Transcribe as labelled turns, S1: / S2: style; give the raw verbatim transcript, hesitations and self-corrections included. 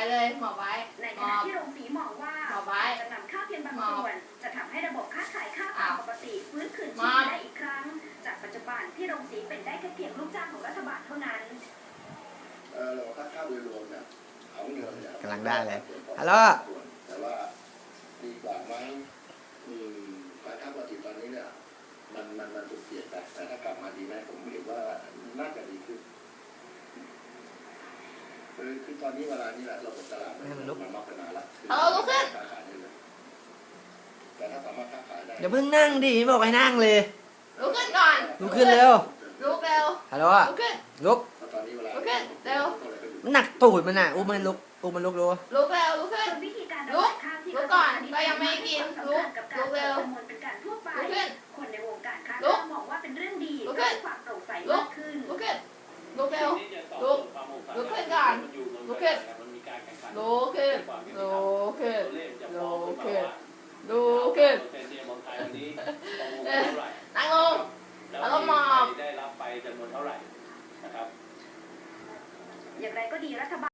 S1: เลยหมอบไว้
S2: ในขณะที่โรงสีมองว่าจะนำข้าวเพียงบางส่วนจะทำให้ระบบค้าขายข้าวตามปกติฟื้นคืนชีพได้อีกครั้งจากปัจจุบันที่โรงสีเป็นได้แค่เพียงลูกจ้างของรัฐบาลเท่านั้น
S3: เออเราค่าข้าวโดยรวมเนี่ยของเงินเนี่ย
S4: กำลังได้เลยฮัลโหล
S3: แต่ว่าดีกว่าไหมอืมการข้าวปกติตอนนี้เนี่ยมันมันมันถูกเปลี่ยนไปแต่ถ้ากลับมาดีไหมผมเห็นว่าน่าจะดีขึ้นคือคือตอนนี้เวลานี้แหละระบบตลาดมันมันมากขนาดละ
S1: เอาลุกขึ้น
S3: ค้าขายได้เลยแต่ถ้าสามารถค้าขายได้
S4: อย่าเพิ่งนั่งดิบอกให้นั่งเลย
S1: ลุกขึ้นก่อน
S4: ลุกขึ้นเร็ว
S1: ลุกเร็ว
S4: ฮัลโหล
S1: ลุกขึ้น
S4: ลุก
S1: ลุกขึ้นเร็ว
S4: มันหนักตูดมันอ่ะอุ้มมันลุกอุ้มมันลุกดู
S1: ลุกเร็วลุกขึ้น
S2: วิธีการ
S1: ลุกลุกก่อนก็ยังไม่กินลุกลุกเร็ว
S2: เป็นการทั่วไป
S1: ลุกขึ้น
S2: คนในวงการค้า
S1: ลุก
S2: มองว่าเป็นเรื่องดี
S1: ลุกขึ้น
S2: ความโปร่งใส
S1: ลุ
S2: มาก กขึ้น
S1: ลุกขึ้นลุกเร็วลุกลุกขึ้นก่อนลุกขึ้นลุกขึ้นลุกขึ้นลุกขึ้นลุกขึ้นนั่งลงแล้วก็มอบ
S2: อย่างไรก็ดีรัฐบาล